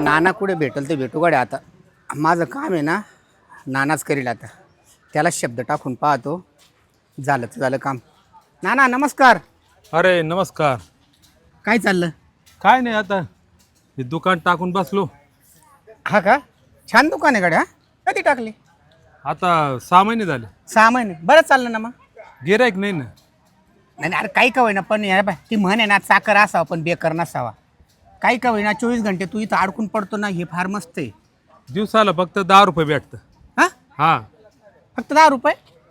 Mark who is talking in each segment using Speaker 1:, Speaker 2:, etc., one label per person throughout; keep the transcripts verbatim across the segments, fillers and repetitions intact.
Speaker 1: नाना कुठे भेटल ते भेटू गाड्या. आता माझं काम आहे ना, नानाच करील आता. त्याला शब्द टाकून पाहतो, झालं तर झालं काम. नाना नमस्कार.
Speaker 2: अरे नमस्कार.
Speaker 1: काय चाललं?
Speaker 2: काय नाही, आता हे दुकान टाकून बसलो.
Speaker 1: हा का, छान दुकान आहे गाड्या. कधी टाकली?
Speaker 2: आता सहा महिने झाले.
Speaker 1: सहा महिने. बरं चाललं ना मग.
Speaker 2: गिरायक नाही ना.
Speaker 1: नाही नाही, अरे काही का होईना, पण या बाय ती म्हण आहे ना, चाकर असावा पण बेकार नसावा. काही का होईना, चोवीस घंटे तू इथं अडकून पडतो ना, हे फार मस्त आहे.
Speaker 2: दिवसाला फक्त दहा रुपये भेटतं.
Speaker 1: हां,
Speaker 2: हा
Speaker 1: फक्त दहा रुपये?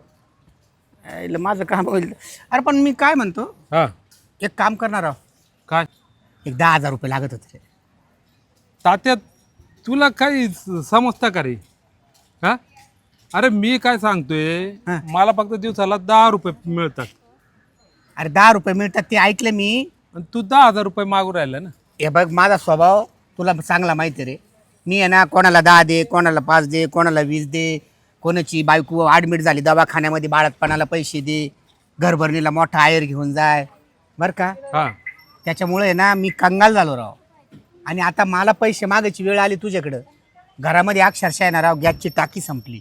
Speaker 1: यायला माझं काम होईल. अरे पण मी काय म्हणतो,
Speaker 2: हा
Speaker 1: एक काम करणार आहो.
Speaker 2: काय
Speaker 1: एक दहा हजार रुपये लागत होते.
Speaker 2: तात्या, तुला काही समजतं का रे? हा, अरे मी काय सांगतोय,
Speaker 1: हा.
Speaker 2: मला फक्त दिवसाला दहा रुपये मिळतात
Speaker 1: अरे दहा रुपये मिळतात ते ऐकलं मी.
Speaker 2: आणि तू दहा हजार रुपये मागू राहिला ना.
Speaker 1: हे बघ, माझा स्वभाव तुला चांगला माहिती आहे रे. मी आहे ना, कोणाला दहा दे, कोणाला पाच दे, कोणाला वीस दे, कोणाची बायको ॲडमिट झाली दवाखान्यामध्ये बाळातपणाला पैसे दे, घरभरणीला मोठा आयर घेऊन जाय, बरं का.
Speaker 2: हा
Speaker 1: त्याच्यामुळे ना मी कंगाल झालो राव. आणि आता मला पैसे मागायची वेळ आली तुझ्याकडं. घरामध्ये अक्षरशः येणार राव, गॅसची टाकी संपली.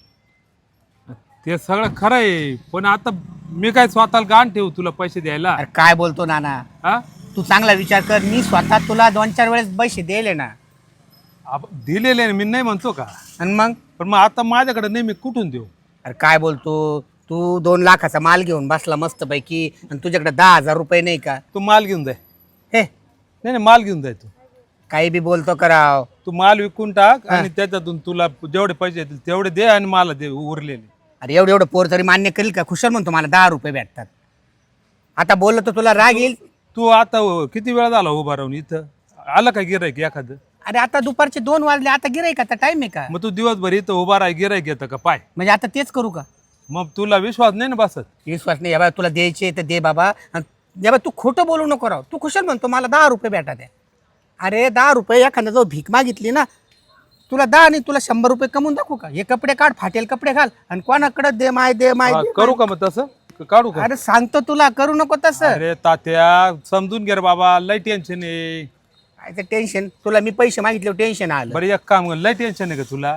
Speaker 2: ते सगळं खरं आहे, पण आता मी काय स्वतःला गाण ठेवू तुला पैसे द्यायला?
Speaker 1: अरे काय बोलतो नाना,
Speaker 2: हा,
Speaker 1: तू चांगला विचार कर. मी स्वतः तुला दोन चार वेळेस पैसे दिले ना.
Speaker 2: आप- दिलेले मी नाही म्हणतो का,
Speaker 1: आणि मग
Speaker 2: पण मग आता माझ्याकडे नाही, मी कुठून देऊ?
Speaker 1: अरे काय बोलतो तू, दोन लाखाचा माल घेऊन बसला मस्तपैकी, आणि तुझ्याकडे दहा हजार रुपये नाही का?
Speaker 2: तू माल घेऊन जाय.
Speaker 1: हे
Speaker 2: नाही नाही, माल घेऊन जाय. तू
Speaker 1: काही बी बोलतो कराव.
Speaker 2: तू माल विकून टाक आणि त्याच्यातून तुला जेवढे पैसे येतील तेवढे दे आणि मला दे उरलेले.
Speaker 1: अरे एवढं एवढं पोर तरी मान्य करील का? खुशाल म्हणतो मला दहा रुपये भेटतात. आता बोललो तर तुला राग येईल.
Speaker 2: तू आता किती वेळा झाला उभा राहून इथं? आलं का गिरायक एखादं?
Speaker 1: अरे आता दुपारचे दोन वाजले, आता गिराईक आता टाइम आहे का?
Speaker 2: मग तू दिवसभर इथं उभा राह, गिरायक येतं का पाय?
Speaker 1: म्हणजे आता तेच करू का?
Speaker 2: मग तुला विश्वास नाही ना बसत?
Speaker 1: विश्वास नाही. बाबा तुला द्यायचे तर दे बाबा. बाबा तू खोटं बोलू नको राव. तू खुशाल म्हणतो मला दहा रुपये भेटा द्या. अरे दहा रुपये एखादा जो भीक मागितली ना, तुला दहा आणि तुला शंभर रुपये कमवून दाखवू का? हे कपडे काढ, फाटेल कपडे घाल, आणि कोणाकडे दे माय दे माय
Speaker 2: हा,
Speaker 1: दे
Speaker 2: करू का मग तसं? क- काढू
Speaker 1: माय.
Speaker 2: का?
Speaker 1: अरे सांगतो तुला, करू नको तसं.
Speaker 2: अरे तात्या, समजून घे रे बाबा, लय टेन्शन आहे.
Speaker 1: काय टेन्शन? तुला मी पैसे मागितले टेन्शन आलं.
Speaker 2: बरं एक काम कर, लय टेन्शन आहे का तुला?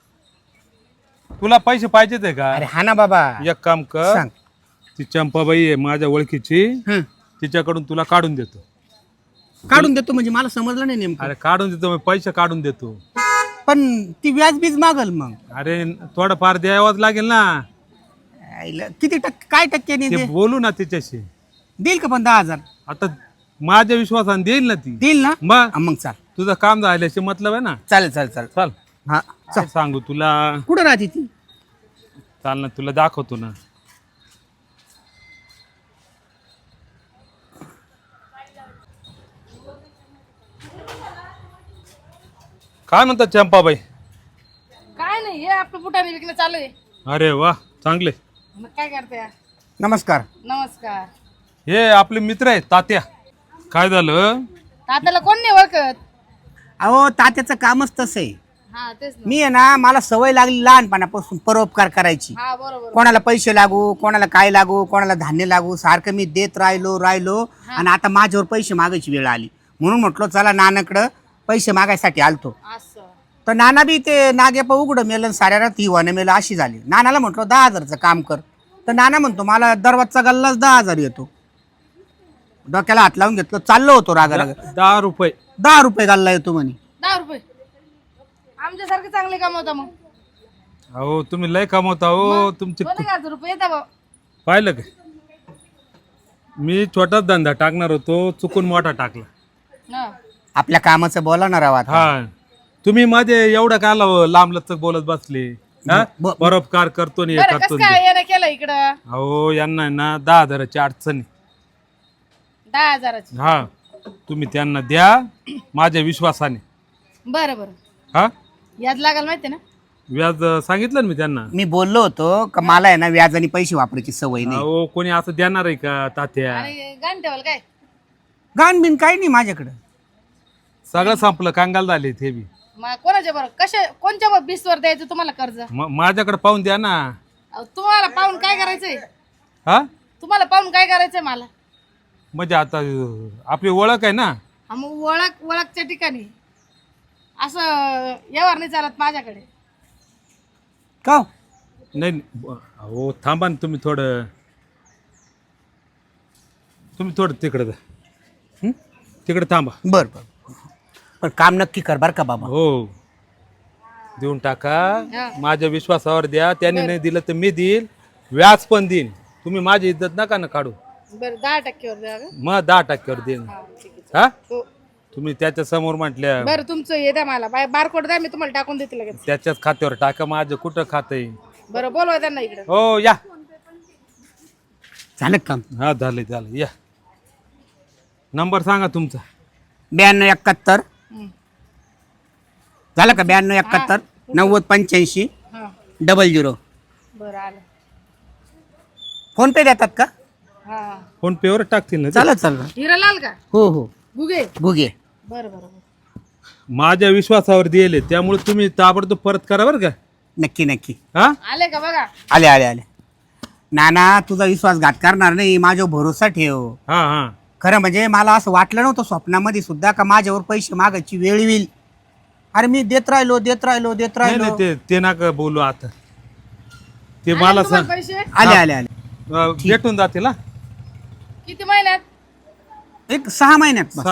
Speaker 2: तुला पैसे पाहिजेत आहे का?
Speaker 1: अरे हा ना बाबा,
Speaker 2: एक काम कर,
Speaker 1: सांग.
Speaker 2: ती चंपाबाई आहे माझ्या ओळखीची,
Speaker 1: हं.
Speaker 2: तिच्याकडून तुला काढून देतो.
Speaker 1: काढून देतो म्हणजे मला समजलं नाही नेमकं.
Speaker 2: अरे काढून देतो, मी पैसे काढून देतो.
Speaker 1: पण ती व्याज बीज मागल मग.
Speaker 2: अरे थोडंफार द्यावाच लागेल ना.
Speaker 1: आईला किती टक्के, काय टक्क्याने
Speaker 2: ते
Speaker 1: दे-
Speaker 2: बोलू ना तिच्याशी.
Speaker 1: देईल का पण दहा हजार?
Speaker 2: आता माझ्या विश्वासाने देईल ना ती.
Speaker 1: देईल ना?
Speaker 2: मग
Speaker 1: हा, मग चाल.
Speaker 2: तुझं काम झाल्याशी मतलब आहे ना.
Speaker 1: चालेल चालेल चालेल.
Speaker 2: चाल,
Speaker 1: हा
Speaker 2: काय सांगू तुला.
Speaker 1: कुठं राहते ती?
Speaker 2: चाल ना, तुला दाखवतो ना. काय म्हणतात चंपाबाई?
Speaker 3: काय नाही, हे आपलं बुटाने विकणं चालू आहे.
Speaker 2: अरे वा, चांगले.
Speaker 3: मग काय करते?
Speaker 1: नमस्कार.
Speaker 3: नमस्कार.
Speaker 2: हे आपले मित्र आहेत तात्या. काय झालं?
Speaker 3: तात्याला कोण नाही ओळखत.
Speaker 1: अहो तात्याचं कामच तसं आहे.
Speaker 3: हा तेच ना.
Speaker 1: मी आहे ना, मला सवय लागली लहानपणापासून परोपकार करायची.
Speaker 3: हा बरोबर.
Speaker 1: कोणाला पैसे लागू, कोणाला काय लागू, कोणाला धान्य लागू, सारखं मी देत राहिलो राहिलो आणि आता माझ्यावर पैसे मागायची वेळ आली. म्हणून म्हटलो चला नानाकडं पैसे मागायसाठी आलतो.
Speaker 3: असं.
Speaker 1: तर नाना बी ते नागेपा उघडं मेलं, साऱ्या रात हिवाने मेलं अशी झाली. नानाला म्हटलं दहा हजारचं काम कर, तर नाना म्हणतो मला दरवाजचा गल्लाच दहा हजार येतो. डोक्याला हात लावून घेतलं, चाललो होतो रागा रागा.
Speaker 2: दहा रुपये
Speaker 1: दहा रुपये गल्ला येतो म्हणे.
Speaker 3: दहा रुपये आमच्यासारखे चांगले कमवता मग.
Speaker 2: अहो तुम्ही लय कमवता हो. तुमचे
Speaker 3: दोन एक हजार रुपये येतात भाऊ.
Speaker 2: पाहिलं का, मी छोटाच धंदा टाकणार होतो, चुकून मोठा टाकला.
Speaker 3: हा.
Speaker 1: आपल्या कामाचं बोला ना राव आता.
Speaker 2: हा, तुम्ही मध्ये एवढं काय लांब लचक बोलत बसले. हा,
Speaker 1: ब-
Speaker 2: परोपकार करतो आणि हे
Speaker 3: बरं
Speaker 2: करतो
Speaker 3: कसं काय येणं केलं इकडं?
Speaker 2: अहो यांना आहे ना दहा हजाराची अडचणी.
Speaker 3: दहा हजाराची.
Speaker 2: हा, तुम्ही त्यांना द्या माझ्या विश्वासाने.
Speaker 3: बरं बरं.
Speaker 2: हा,
Speaker 3: याद लागाल माहिती ना.
Speaker 2: व्याज सांगितलं ना मी त्यांना.
Speaker 1: मी बोललो होतो का मला आहे ना व्याजाने पैसे वापरायची सवय नाही.
Speaker 2: अहो कोणी असं देणार आहे का तात्या?
Speaker 3: आणि गाण ठेवाल काय?
Speaker 1: गाण बिन काही नाही माझ्याकडं.
Speaker 2: सगळं संपलं, कांगाल झाले ते बी.
Speaker 3: मग कोणाच्या बरोबर कशा कोणच्या बिसवर द्यायचं तुम्हाला कर्ज?
Speaker 2: म- माझ्याकडे पाहून द्या ना.
Speaker 3: अहो, तुम्हाला पाहून काय करायचंय?
Speaker 2: हा,
Speaker 3: तुम्हाला पाहून काय करायचंय मला?
Speaker 2: म्हणजे आता अं, आपली ओळख आहे ना.
Speaker 3: हा, मग ओळख ओळखच्या ठिकाणी असं व्यवहार नाही चालत माझ्याकडे.
Speaker 1: का हो?
Speaker 2: नाही नाही, ब- हो थांबा ना तुम्ही थोडं तुम्ही थोडं तिकडे जा हं? तिकडे थांबा.
Speaker 1: बर बर पण काम नक्की कर बर का बाबा.
Speaker 2: हो देऊन टाका.
Speaker 3: हा.
Speaker 2: माझ्या विश्वासावर द्या. त्यांनी नाही दिलं तर मी देईल, व्याज पण देईन. तुम्ही माझी इज्जत नका ना काढू.
Speaker 3: बरं दहा टक्केवर द्या गं.
Speaker 2: मग दहा टक्क्यावर देईन.
Speaker 3: हा, ठीक आहे.
Speaker 2: हा
Speaker 3: हो.
Speaker 2: तुम्ही त्याच्या समोर म्हटल्या
Speaker 3: बरं तुमचं हे द्या मला बाय बारकोड द्या, मी तुम्हाला टाकून देते लगेच.
Speaker 2: त्याच्याच खात्यावर टाका. माझं कुठं खातं आहे?
Speaker 3: बरं बोलवा त्यांना इकडे.
Speaker 2: हो या.
Speaker 1: झालं का काम?
Speaker 2: हा झालं झालं या. नंबर सांगा तुमचा.
Speaker 1: ब्याण्णव एकाहत्तर
Speaker 3: हं.
Speaker 1: झालं का? ब्याण्णव एकाहत्तर नव्वद पंच्याऐंशी
Speaker 3: हा
Speaker 1: डबल झिरो.
Speaker 3: बरं आलं.
Speaker 1: फोन पे देतात का?
Speaker 3: हा
Speaker 2: फोन पेवर टाकतील ना ते?
Speaker 1: चालत चालत.
Speaker 3: हिरालाल का
Speaker 1: हो हो
Speaker 3: गुगे?
Speaker 1: भुगे.
Speaker 3: बरं बरं बरं.
Speaker 2: माझ्या विश्वासावर दिले त्यामुळे तुम्ही ताबडतोब परत करा बरं का.
Speaker 1: नक्की नक्की.
Speaker 2: हा
Speaker 3: आले का बघा?
Speaker 1: आले आले आले. नाना तुझा विश्वासघात करणार नाही, माझ्यावर भरोसा ठेव.
Speaker 2: हा हा
Speaker 1: खरं म्हणजे मला असं वाटलं नव्हतं स्वप्नामध्ये सुद्धा का माझ्यावर पैसे मागायची वेळ येईल. अरे मी देत राहिलो देत राहिलो देत
Speaker 2: नाही
Speaker 1: राहिलो.
Speaker 2: नाही ते ते नका बोलू आता. ते
Speaker 3: आले
Speaker 2: मला
Speaker 3: तुम्हाला
Speaker 2: सांग
Speaker 3: पैसे
Speaker 1: आले आले आले.
Speaker 2: अं, भेटून जातील हा.
Speaker 3: किती महिन्यात?
Speaker 1: एक सहा महिन्यात बस.
Speaker 2: सा-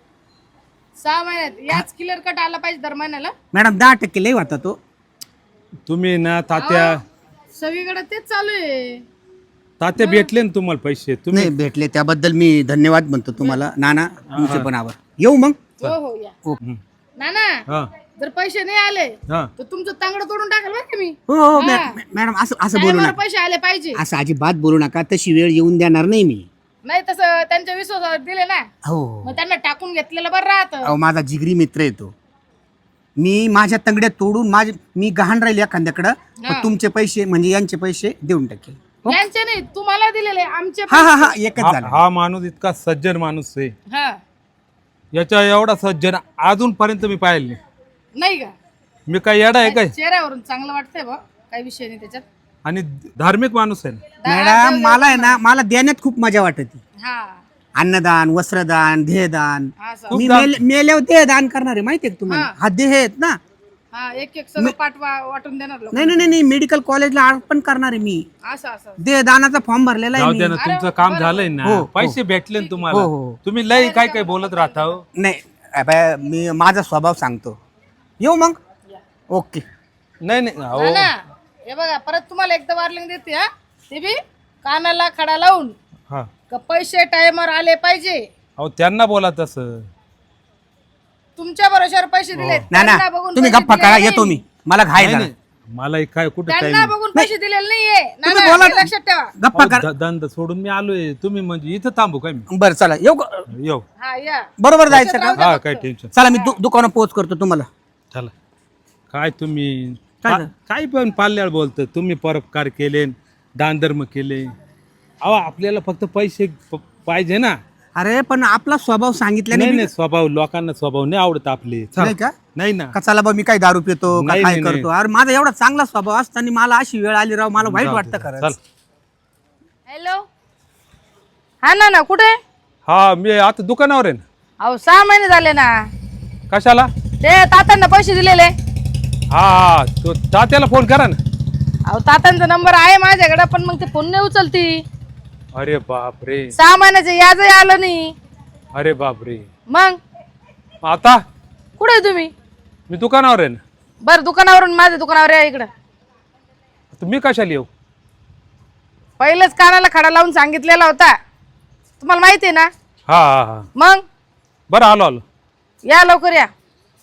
Speaker 3: सहा महिन्यात. याच क्लिअर कट आला पाहिजे दर महिन्याला.
Speaker 1: मॅडम दहा टक्के लई होता तो.
Speaker 2: तुम्ही ना तात्या
Speaker 3: सगळीकडे तेच चालू आहे.
Speaker 2: तात्या भेटले ना तुम्हाला पैसे तुम्ही
Speaker 1: नाही भेटले त्याबद्दल मी धन्यवाद म्हणतो तुम्हाला नाना. तुमचे पण आभार. येऊ मग.
Speaker 3: हो हो या
Speaker 2: हं.
Speaker 3: ना ना.
Speaker 2: हा
Speaker 3: जर पैसे नाही आले
Speaker 2: हा
Speaker 3: तर तुमचं तांगड तोडून टाकाल बरं का मी.
Speaker 1: हो हो
Speaker 3: हा.
Speaker 1: मॅ- मॅ- मॅडम असं असं बोलू
Speaker 3: टायमावर
Speaker 1: नका.
Speaker 3: पैसे आले पाहिजे.
Speaker 1: असं अजिबात बोलू नका. तशी वेळ येऊन देणार नाही मी.
Speaker 3: नाही तसं त्यांच्या विश्वासावर दिले ना,
Speaker 1: हो
Speaker 3: मग त्यांना टाकून घेतलेलं बरं राहतं.
Speaker 1: अहो माझा जिगरी मित्र येतो. मी माझ्या तंगड्या तोडून माझे मी गहाण राहिले एखाद्याकडं. पण
Speaker 3: हा.
Speaker 1: तुमचे पैसे म्हणजे यांचे पैसे देऊन टाकेल.
Speaker 3: यांचे नाही तुम्हाला दिलेले आमचे
Speaker 1: हा हा हा एकच
Speaker 2: हा
Speaker 1: झालं.
Speaker 2: हा माणूस इतका सज्जन माणूस आहे.
Speaker 3: हा
Speaker 2: याच्या एवढा सज्जन अजूनपर्यंत मी पाहिलं नाही.
Speaker 3: नाही का?
Speaker 2: मी काय येडा आहे काय?
Speaker 3: चेहऱ्यावरून चांगलं वाटतंय बा, काही विषय नाही त्याच्यात.
Speaker 2: आणि धार्मिक माणूस आहे ना.
Speaker 1: मॅडम मला आहे ना मला देण्यात खूप मजा वाटते.
Speaker 3: हा
Speaker 1: अन्नदान वस्त्रदान देहदान.
Speaker 3: असं.
Speaker 1: मी मेल- मेल्यावर देहदान करणार आहे माहितीये का तुम्हाला?
Speaker 3: हा.
Speaker 1: हा देह आहेत ना.
Speaker 3: हा एक एक सगळं पाठ वा- वाटून देणार लोक.
Speaker 1: नाही नाही नाही मेडिकल कॉलेजला अर्पण करणार आहे मी.
Speaker 3: असं असं.
Speaker 1: देहदानाचा फॉर्म भरलेला आहे
Speaker 2: जाऊ
Speaker 1: मी.
Speaker 2: द्या ना तुमचं काम झालंय ना.
Speaker 1: हो, हो.
Speaker 2: पैसे भेटले ना तुम्हाला.
Speaker 1: हो, हो.
Speaker 2: तुम्ही लय काय काय बोलत राहता हो.
Speaker 1: नाही अबे, मी माझा स्वभाव सांगतो. येऊ मग. ओके.
Speaker 2: नाही नाही
Speaker 3: ना
Speaker 2: अहो
Speaker 3: ना हे बघा परत तुम्हाला एकदा वार्निंग देते हा. ते बी कानाला खडा लावून
Speaker 2: हा
Speaker 3: का पैसे टाइमवर आले पाहिजे.
Speaker 2: अहो त्यांना बोला तसं.
Speaker 3: तुमच्या भरोश्यावर पैसे दिले
Speaker 1: ना ना तुम्ही गप्पा करा येतो मी. मला घाय
Speaker 2: नाही
Speaker 1: झाला.
Speaker 2: नाही मला एक काय कुठं
Speaker 3: त्यांना
Speaker 2: टाइम
Speaker 3: बघून पैसे दिलेले नाहीये ना
Speaker 1: तुम्ही
Speaker 3: ना,
Speaker 1: बोला
Speaker 3: हे
Speaker 1: ना.
Speaker 3: लक्षात ठेवा.
Speaker 1: गप्पा करा.
Speaker 2: धंदा सोडून मी आलोय. तुम्ही म्हणजे इथं थांबू काय मी?
Speaker 1: बरं चला येऊ का?
Speaker 2: येऊ
Speaker 3: हा या
Speaker 1: बरोबर जायचं का?
Speaker 2: हा काय टेन्शन.
Speaker 1: चला मी दु- दुकानात पोच करतो तुम्हाला.
Speaker 2: चला काय तुम्ही
Speaker 1: काय
Speaker 2: पा- काय पण पाल्याळ बोलत. तुम्ही परोपकार केले, दान धर्म केले. अहो आपल्याला फक्त पैसे प- पाहिजे ना.
Speaker 1: अरे पण आपला स्वभाव सांगितल्याने
Speaker 2: नाही
Speaker 1: मी-
Speaker 2: नाही स्वभाव लोकांना स्वभाव नाही आवडत आपले. चला.
Speaker 1: नाही का?
Speaker 2: नाही ना
Speaker 1: का चला बा मी काय दारू पितो का
Speaker 2: नाही,
Speaker 1: काय
Speaker 2: नाही,
Speaker 1: करतो. अरे माझा एवढा चांगला स्वभाव असताना मला अशी वेळ आली राव मला वाईट
Speaker 2: जाऊ
Speaker 1: वाटतं
Speaker 2: दे.
Speaker 1: खरं.
Speaker 2: चल.
Speaker 3: हॅलो हा ना ना कुठे?
Speaker 2: हा मी आता दुकानावर आहे ना.
Speaker 3: अहो सहा महिने झाले ना.
Speaker 2: कशाला?
Speaker 3: ते तात्यांना पैसे दिलेले.
Speaker 2: हा हा तो तात्याला फोन करा ना.
Speaker 3: अहो तात्यांचा नंबर आहे माझ्याकडे पण मग ते फोन नाही उचलती.
Speaker 2: अरे बाप रे.
Speaker 3: सहा महिन्याचे याजही आलं नाही.
Speaker 2: अरे बाप रे.
Speaker 3: मग
Speaker 2: आता
Speaker 3: कुठे आहे तुम्ही?
Speaker 2: मी दुकानावर आहे ना.
Speaker 3: बरं दुकानावरून माझ्या दुकानावर या इकडं.
Speaker 2: आता मी कशाला येऊ?
Speaker 3: पहिलेच कानाला खडा लावून सांगितलेला होता. तुम्हाला माहिती आहे ना.
Speaker 2: हा हा हा
Speaker 3: मग
Speaker 2: बरं आलो आलो.
Speaker 3: या लवकर या.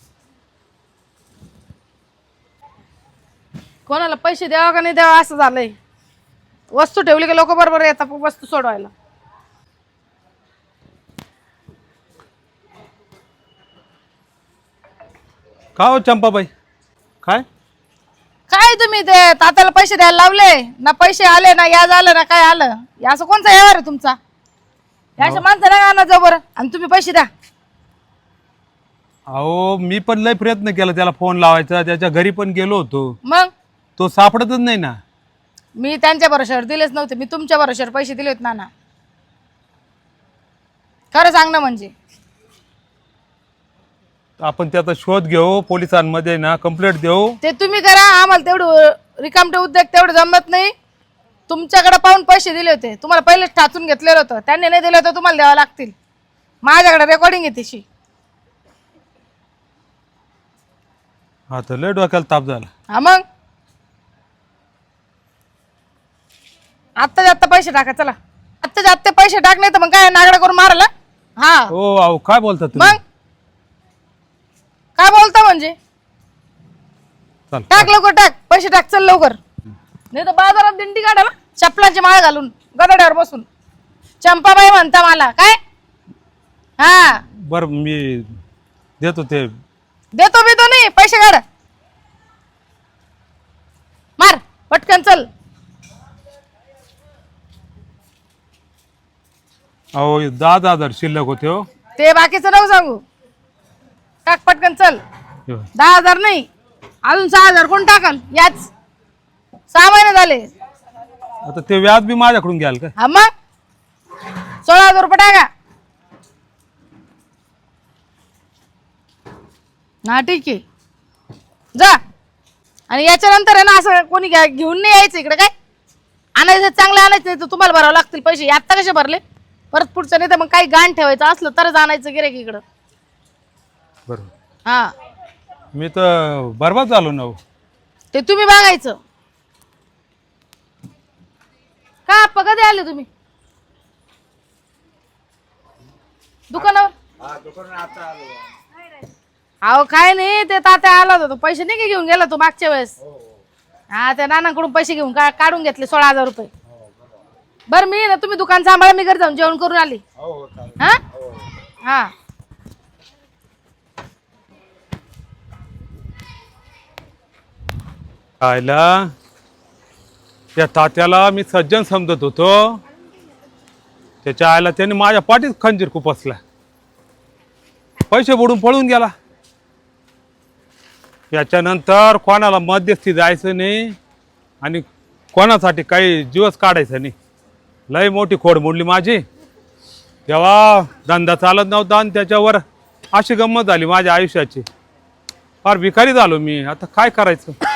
Speaker 3: कोणाला पैसे द्यावा का नाही द्यावा असं झालंय. वस्तू ठेवली की लोक बरोबर येतात वस्तू सोडवायला.
Speaker 2: का हो चंपाबाई काय?
Speaker 3: काय तुम्ही ते तात्याला पैसे द्यायला लावले ना, पैसे आले ना, याज आलं ना, काय आलं. या असं कोणचा व्यवहार आहे तुमचा? याच्या माणसं ना आणा जाऊ बरं आणि तुम्ही पैसे द्या.
Speaker 2: अहो मी पण लय प्रयत्न केला त्याला फोन लावायचा. त्याच्या घरी पण गेलो होतो.
Speaker 3: मग
Speaker 2: तो सापडतच नाही ना.
Speaker 3: मी त्यांच्या भरोश्यावर दिलेच नव्हते. मी तुमच्या भरोश्यावर पैसे दिले होते ना. खरं सांग ना म्हणजे
Speaker 2: आपण त्याचा शोध घेऊ, पोलिसांमध्ये ना कंप्लेंट देऊ.
Speaker 3: ते तुम्ही करा, आम्हाला तेवढं रिकामटे उद्योग तेवढं जमत नाही. तुमच्याकडे पाहून पैसे दिले होते, तुम्हाला पहिलेच ठाचून घेतलेलं होतं, त्यांनी नाही दिलं होतं तुम्हाला द्यावं लागतील. माझ्याकडे रेकॉर्डिंग आहे तिची.
Speaker 2: हा तर लय डोक्याला ताप झाला.
Speaker 3: हा मग आत्ताच्या आत्ता पैसे टाका, चला आत्ताच्या आत्ता पैसे टाक, नाही तर मग काय नागडा करून मारायला. हा
Speaker 2: हो अहो काय बोलता तुम्ही?
Speaker 3: मग काय बोलता म्हणजे?
Speaker 2: चल
Speaker 3: टाक लवकर, टाक पैसे टाक, चल लवकर, नाही तर बाजारात दिंडी काढायला चपलाची माळ घालून गदाड्यावर बसून. चंपाबाई म्हणता मला काय? हा
Speaker 2: बर मी देतो ते.
Speaker 3: देतो बितो नाही, पैसे काढ, मार पटकन चल.
Speaker 2: अहो दहा दहा हजार शिल्लक होते हो.
Speaker 3: ते बाकीचं नको सांगू, टाक पटकन चल.
Speaker 2: हे बघ.
Speaker 3: दहा हजार नाही, अजून सहा हजार कोण टाकल? याच सहा महिने झाले.
Speaker 2: आता ते व्याज बी माझ्याकडून घ्याल का?
Speaker 3: हा मग सोळा हजार रुपये टाका. हा ठीक आहे, जा. आणि याच्यानंतर आहे ना असं कोणी घ्या- घेऊन नाही यायचं इकडे. काय आणायचं चांगलं आणायचं, नाही तर तुम्हाला भरावं लागतील पैसे. आत्ता कसे भरले, परत पुढचं नाही तर मग काही गाण ठेवायचं असलं तरच आणायचं गिऱ्हाईक इकडं.
Speaker 2: बरोबर.
Speaker 3: हा
Speaker 2: मी तर बरबाद झालो ना हो.
Speaker 3: ते तुम्ही बघायचं. का आप्पा कधी आले तुम्ही दुकानावर? अहो काय नाही, ते तात्या आला होता, तो पैसे नाही का घेऊन गेला तो मागच्या वेळेस. हा त्या नानाकडून पैसे घेऊन का काढून घेतले सोळा हजार रुपये. बरं मी ना, तुम्ही दुकान सांभाळा, मी घरी जाऊन जेवण करून आली. हा हा
Speaker 2: आयला त्या तात्याला मी सज्जन समजत होतो, त्याच्या आईला त्याने माझ्या पाठीत खंजीर खुपसला, पैसे बुडून पळून गेला. याच्यानंतर कोणाला मध्यस्थी जायचं नाही आणि कोणासाठी काही जीवच काढायचा नाही. लय मोठी खोड मोडली माझी. तेव्हा धंदा चालत नव्हता आणि त्याच्यावर अशी गंमत झाली माझ्या आयुष्याची. फार भिकारी झालो मी. आता काय करायचं?